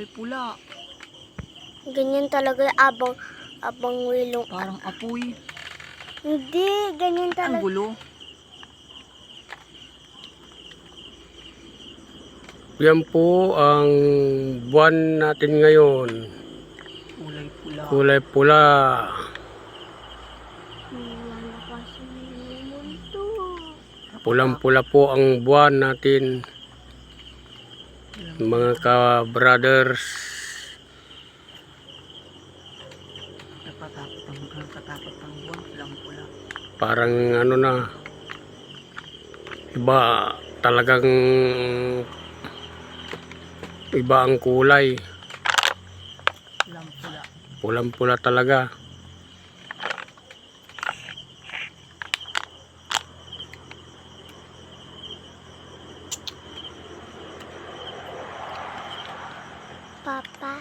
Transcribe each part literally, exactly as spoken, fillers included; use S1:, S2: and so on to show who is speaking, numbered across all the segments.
S1: kulay pula.
S2: Ganyan talaga abang abang wilong.
S1: Parang apoy.
S2: Hindi, ganyan
S1: Ang
S2: talaga.
S1: gulo.
S3: Yan po ang buwan natin ngayon.
S1: Kulay pula.
S3: Kulay pula. Pulang-pula po ang buwan natin. Mga ka-brothers.
S1: Nakatakot ang nakatakot ang buwan. Pulang pula.
S3: Parang ano na. Iba talagang iba ang kulay.
S1: Pulang pula.
S3: Pulang-pula talaga.
S2: Papa,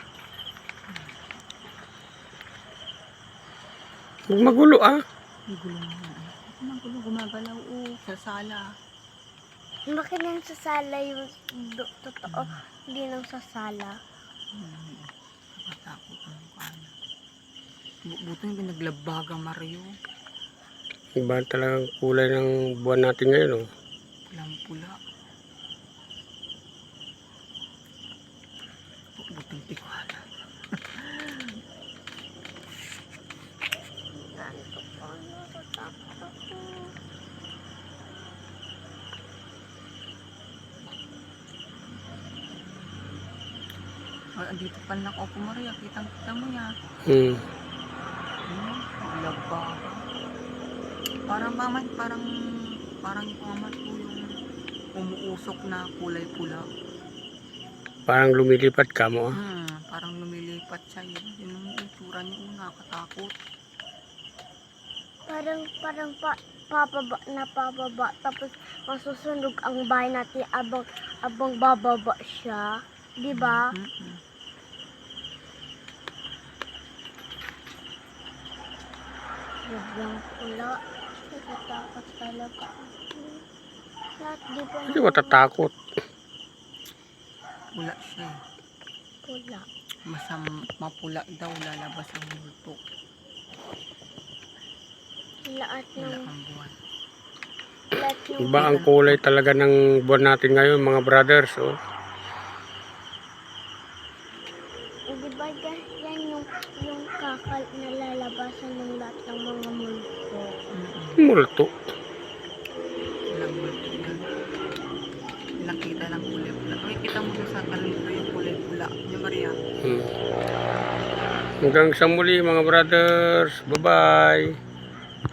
S3: Huwag magulo ah.
S1: Ang gulo nga. Ang gulo gumagalaw. Oh, sa sala.
S2: bakit nang sasala yung do, totoo? Hindi nang sasala.
S1: Hmm. Nakatakot ang mukha niya. Bu- Buto yung pinaglabaga Mario.
S3: Iba talagang kulay ng buwan natin ngayon oh.
S1: Pulang pula. Butong tikwana. Ay, andito pa lang ako Maria. Kitang-kita mo yan.
S3: Hmm.
S1: Hmm, laba. Parang maman, parang parang yung amat ko yung umuusok na kulay pula.
S3: Parang lumilipat ka mo ah.
S1: Hmm, parang lumilipat siya yun. Yun ang itsura niya una, katakot.
S2: Parang parang pa, papaba na papaba tapos masusunog ang bahay natin abang abang bababa siya, 'di ba?
S1: Mm-mm.
S2: Sobrang pula. Natatakot talaga ako. Lahat di ba
S3: Hindi matatakot.
S1: Pula siya eh.
S2: pula?
S1: Basta mapula daw lalabas ang multo.
S2: Lahat
S1: Pula
S2: ng
S1: ang buwan.
S2: lahat ng
S3: Iba ang kulay talaga ng buwan natin ngayon mga brothers oh.
S2: di ba guys, yan yung yung kakal na lalabasan ng lahat ng mga multo.
S1: Mm-mm.
S3: Multo.
S1: Walang multo yan. Nakita lang kulay pula. Ay, kita mo doon sa kalendro yung kulay pula. Yung Maria.
S3: Hmm. Hanggang sa muli mga brothers. Bye-bye.